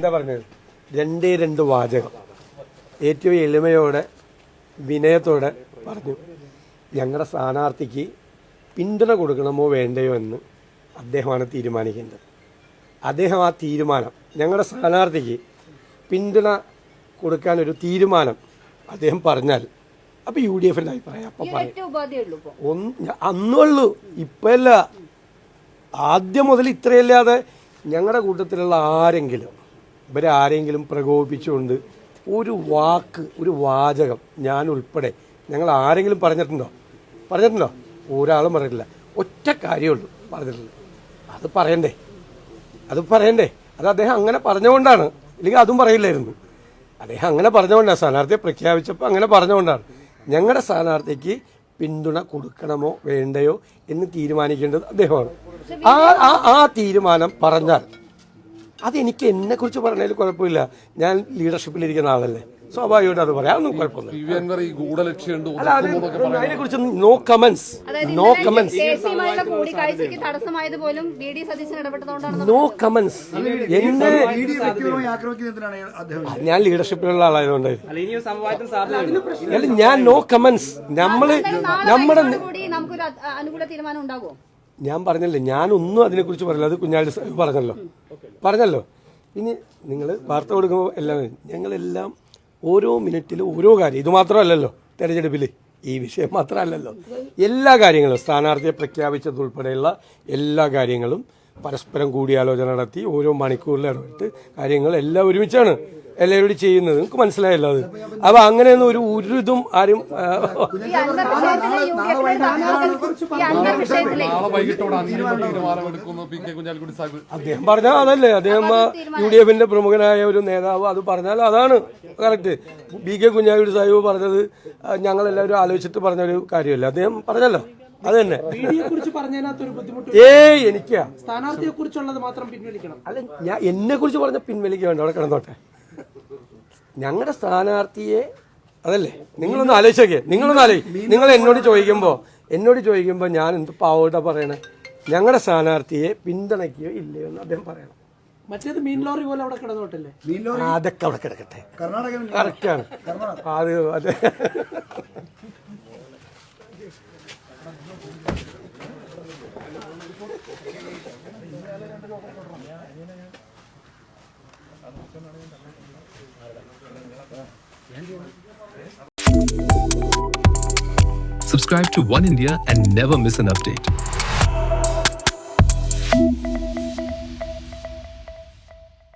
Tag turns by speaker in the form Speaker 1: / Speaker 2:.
Speaker 1: എന്താ പറഞ്ഞത്, രണ്ട് വാചകം ഏറ്റവും എളിമയോടെ വിനയത്തോടെ പറഞ്ഞു. ഞങ്ങളുടെ സ്ഥാനാർത്ഥിക്ക് പിന്തുണ കൊടുക്കണമോ വേണ്ടയോ എന്ന് അദ്ദേഹമാണ് തീരുമാനിക്കേണ്ടത്. അദ്ദേഹം ആ തീരുമാനം, ഞങ്ങളുടെ സ്ഥാനാർത്ഥിക്ക് പിന്തുണ കൊടുക്കാനൊരു തീരുമാനം അദ്ദേഹം പറഞ്ഞാൽ അപ്പോൾ UDFൻ്റെ അഭിപ്രായം അപ്പം പറയും. അന്നുള്ളൂ, ഇപ്പല്ല. ആദ്യം മുതൽ ഇത്രയല്ലാതെ ഞങ്ങളുടെ കൂട്ടത്തിലുള്ള ഇവരാരെങ്കിലും പ്രകോപിപ്പിച്ചുകൊണ്ട് ഒരു വാക്ക്, ഒരു വാചകം ഞാൻ ഉൾപ്പെടെ ഞങ്ങൾ ആരെങ്കിലും പറഞ്ഞിട്ടുണ്ടോ? ഒരാളും പറഞ്ഞിട്ടില്ല. ഒറ്റ കാര്യമുള്ളൂ പറഞ്ഞിട്ടില്ല. അത് പറയണ്ടേ? അത് അദ്ദേഹം അങ്ങനെ പറഞ്ഞുകൊണ്ടാണ്, ഇല്ലെങ്കിൽ അതും പറയില്ലായിരുന്നു. അദ്ദേഹം അങ്ങനെ പറഞ്ഞുകൊണ്ടാണ്, സ്ഥാനാർത്ഥിയെ പ്രഖ്യാപിച്ചപ്പോൾ അങ്ങനെ പറഞ്ഞുകൊണ്ടാണ്. ഞങ്ങളുടെ സ്ഥാനാർത്ഥിക്ക് പിന്തുണ കൊടുക്കണമോ വേണ്ടയോ എന്ന് തീരുമാനിക്കേണ്ടത് അദ്ദേഹമാണ്. ആ തീരുമാനം പറഞ്ഞാൽ അതെനിക്ക് എന്നെക്കുറിച്ച് പറഞ്ഞതിൽ കുഴപ്പമില്ല. ഞാൻ ലീഡർഷിപ്പിലിരിക്കുന്ന ആളല്ലേ, സ്വാഭാവികമായിട്ട് അത് പറയാം, ഒന്നും കുഴപ്പമൊന്നുമില്ല. അതിനെക്കുറിച്ച് നോ കമന്റ്സ്. എന്നെ ഞാൻ ലീഡർഷിപ്പിലുള്ള ആളായതുകൊണ്ട് ഞാൻ നോ കമന്റ്സ്. ഞാൻ പറഞ്ഞല്ലേ, ഞാനൊന്നും അതിനെക്കുറിച്ച് പറയില്ല. അത് കുഞ്ഞാലി പറഞ്ഞല്ലോ. ഇനി നിങ്ങൾ വാർത്ത കൊടുക്കുമ്പോൾ എല്ലാം ഞങ്ങളെല്ലാം ഓരോ മിനിറ്റിലും ഓരോ കാര്യം, ഇത് മാത്രമല്ലല്ലോ തെരഞ്ഞെടുപ്പിൽ, ഈ വിഷയം മാത്രമല്ലല്ലോ, എല്ലാ കാര്യങ്ങളും സ്ഥാനാർത്ഥിയെ പ്രഖ്യാപിച്ചതുൾപ്പെടെയുള്ള എല്ലാ കാര്യങ്ങളും പരസ്പരം കൂടിയാലോചന നടത്തി ഓരോ മണിക്കൂറിൽ ഇടപെട്ട് കാര്യങ്ങൾ എല്ലാം ഒരുമിച്ചാണ് എല്ലാവരോടും ചെയ്യുന്നത്. നിങ്ങൾക്ക് മനസ്സിലായല്ലോ അത്. അപ്പൊ അങ്ങനെയൊന്നും ഒരു ഇതും ആരും അദ്ദേഹം പറഞ്ഞാൽ അതല്ലേ, അദ്ദേഹം UDFന്റെ പ്രമുഖനായ ഒരു നേതാവ് അത് പറഞ്ഞാൽ അതാണ് കറക്റ്റ്. PK കുഞ്ഞാലിക്കുട്ടി സാഹിബ് പറഞ്ഞത് ഞങ്ങളെല്ലാവരും ആലോചിച്ചിട്ട് പറഞ്ഞൊരു കാര്യമല്ല, അദ്ദേഹം പറഞ്ഞല്ലോ. അത് തന്നെ. എനിക്കാ സ്ഥാനാർത്ഥിയെ കുറിച്ചുള്ളത് മാത്രം പിൻവലിക്കണം. അല്ല, ഞാൻ എന്നെ കുറിച്ച് പറഞ്ഞ പിൻവലിക്കുക വേണ്ട, അവിടെ കിടന്നോട്ടെ. ഞങ്ങളുടെ സ്ഥാനാർത്ഥിയെ അതല്ലേ, നിങ്ങളൊന്ന് ആലോചിച്ചോക്കെ. നിങ്ങൾ എന്നോട് ചോദിക്കുമ്പോൾ ഞാൻ എന്ത് പാവോട്ടാ പറയണേ? ഞങ്ങളുടെ സ്ഥാനാർത്ഥിയെ പിന്തുണയ്ക്കുകയോ ഇല്ലയോ എന്ന് അദ്ദേഹം പറയണം. മറ്റേത് മീൻ ലോറി പോലെ അവിടെ കിടന്നോട്ടല്ലേ? അതൊക്കെ അവിടെ കിടക്കട്ടെ. കറക്റ്റാണ് അത്. അതെ.
Speaker 2: Subscribe to One India and never miss an update.